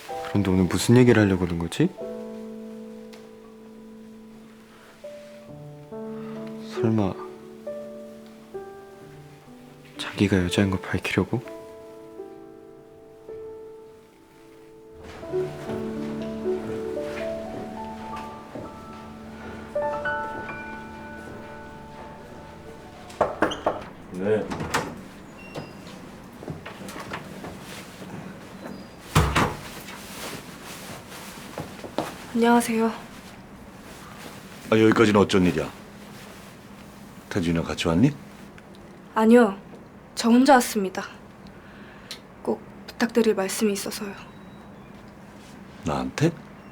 그런데 오늘 무슨 얘기를 하려고 그런 거지? 설마 자기가 여자인 걸 밝히려고? 네. 안녕하세요. 아, 여기까지는 어쩐 일이야? 태준이랑 같이 왔니? 아니요, 저 혼자 왔습니다. 꼭 부탁드릴 말씀이 있어서요. 나한테?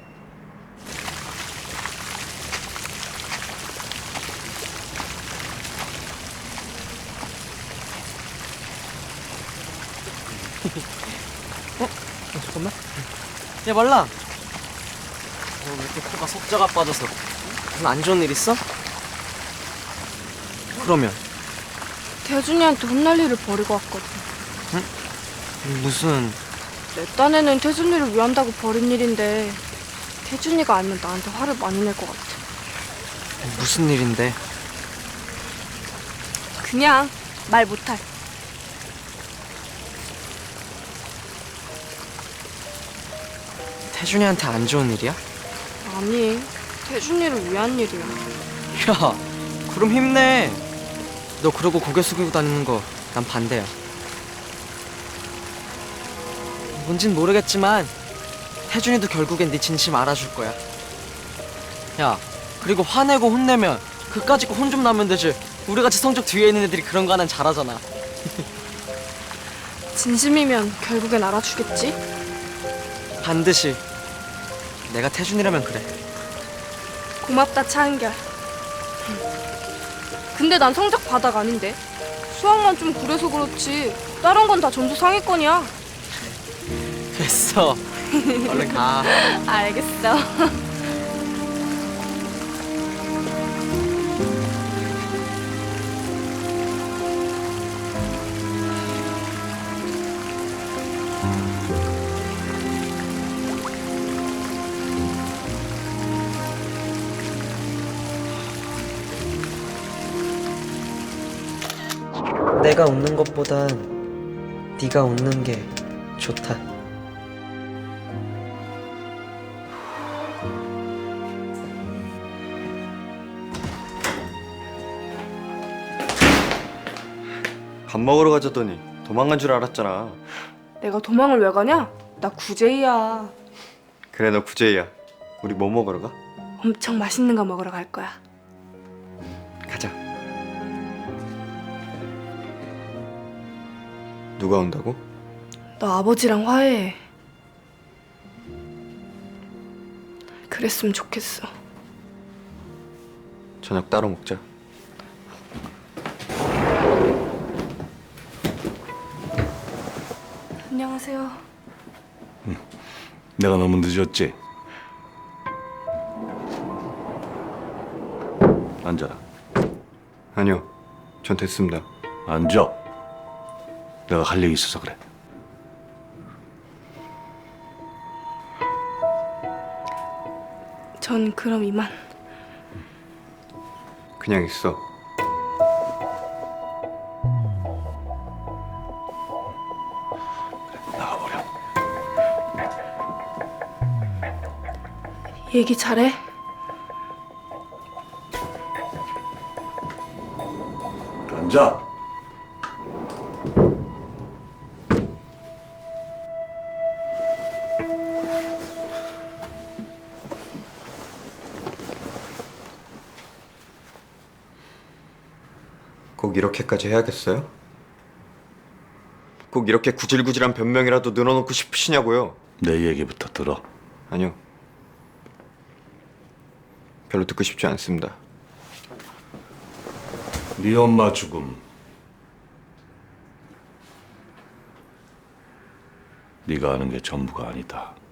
잠깐만. 야 말라. 왜 이렇게 코가 석자가 빠져서? 무슨 안 좋은 일 있어? 그러면 태준이한테 혼날 일을 벌이고 왔거든. 무슨 내 딴에는 태준이를 위한다고 벌인 일인데 태준이가 알면 나한테 화를 많이 낼 것 같아. 무슨 일인데? 그냥 말 못할. 태준이한테 안 좋은 일이야? 아니, 태준이를 위한 일이야. 야, 그럼 힘내. 너 그러고 고개 숙이고 다니는 거 난 반대야. 뭔진 모르겠지만 태준이도 결국엔 네 진심 알아줄 거야. 야, 그리고 화내고 혼내면 그까짓 거 혼 좀 나면 되지. 우리같이 성적 뒤에 있는 애들이 그런 거 하나는 잘하잖아. 진심이면 결국엔 알아주겠지? 반드시. 내가 태준이라면 그래. 고맙다, 차은결. 근데 난 성적 바닥 아닌데? 수학만 좀 그래서 그렇지 다른 건 다 점수 상위권이야. 됐어. 얼른 가. 알겠어. 내가 웃는 것보단 네가 웃는 게 좋다. 밥 먹으러 가자더니 도망간 줄 알았잖아. 내가 도망을 왜 가냐? 나 구제이야. 그래, 너 구제이야. 우리 뭐 먹으러 가? 엄청 맛있는 거 먹으러 갈 거야. 가자. 누가 온다고? 너 아버지랑 화해해. 그랬으면 좋겠어. 저녁 따로 먹자. 안녕하세요. 내가 너무 늦었지? 앉아라. 아니요, 전 됐습니다. 앉아. 내가 할 얘기 있어서 그래. 전 그럼 이만. 그냥 있어. 나가버려. 얘기 잘해. 앉아. 꼭 이렇게까지 해야겠어요? 꼭 이렇게 구질구질한 변명이라도 늘어놓고 싶으시냐고요? 내 얘기부터 들어. 아니요. 별로 듣고 싶지 않습니다. 네 엄마 죽음. 네가 아는 게 전부가 아니다.